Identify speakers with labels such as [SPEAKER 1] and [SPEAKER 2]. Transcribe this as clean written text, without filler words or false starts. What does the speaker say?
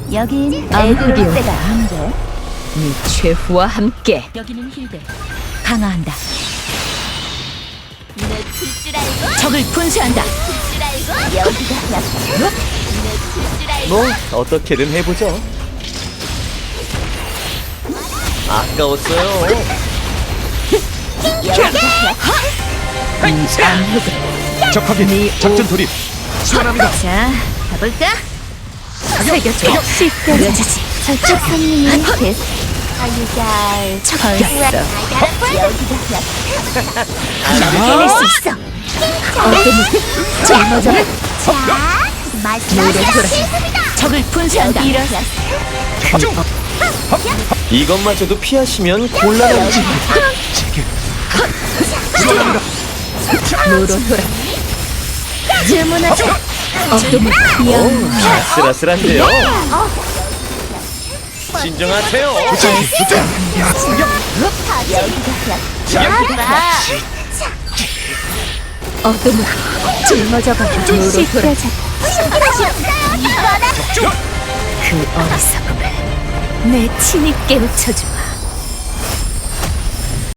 [SPEAKER 1] 여긴
[SPEAKER 2] 암흑이
[SPEAKER 1] 애들 때가
[SPEAKER 2] 온다.
[SPEAKER 1] 안돼.
[SPEAKER 2] 네 최후와 함께
[SPEAKER 1] 여기는 힐대.
[SPEAKER 2] 강화한다.
[SPEAKER 1] 내칠줄 알고.
[SPEAKER 2] 적을 분쇄한다.
[SPEAKER 1] 칠줄 알고. 여기가 약해. 내칠줄 알고.
[SPEAKER 3] 뭐 어떻게든 해보죠. 아까웠어요.
[SPEAKER 1] 여기가 약해.
[SPEAKER 2] 암흑은
[SPEAKER 3] 적확인 작전 돌입. 시원합니다.
[SPEAKER 2] 자, 가볼까? 새겨줘. 시끄러지지.
[SPEAKER 1] 저쪽 손님이 됐어. 아유잘.
[SPEAKER 2] 척겼어.
[SPEAKER 1] 여기가 약해.
[SPEAKER 2] 해낼 수 있어. 어둠을 짊어져.
[SPEAKER 1] 자,
[SPEAKER 2] 노래하라. 적을 분쇄한다.
[SPEAKER 3] 이것마저도 피하시면 곤란하지.
[SPEAKER 2] 노로노라. 주문하자. 어둠을
[SPEAKER 3] 오,
[SPEAKER 2] 영.
[SPEAKER 3] 아슬아슬한데요. 진정하세요.
[SPEAKER 2] 어둠을 짊어져봐. 노로노라. 그 어리석음을 내 친히 깨우쳐주마.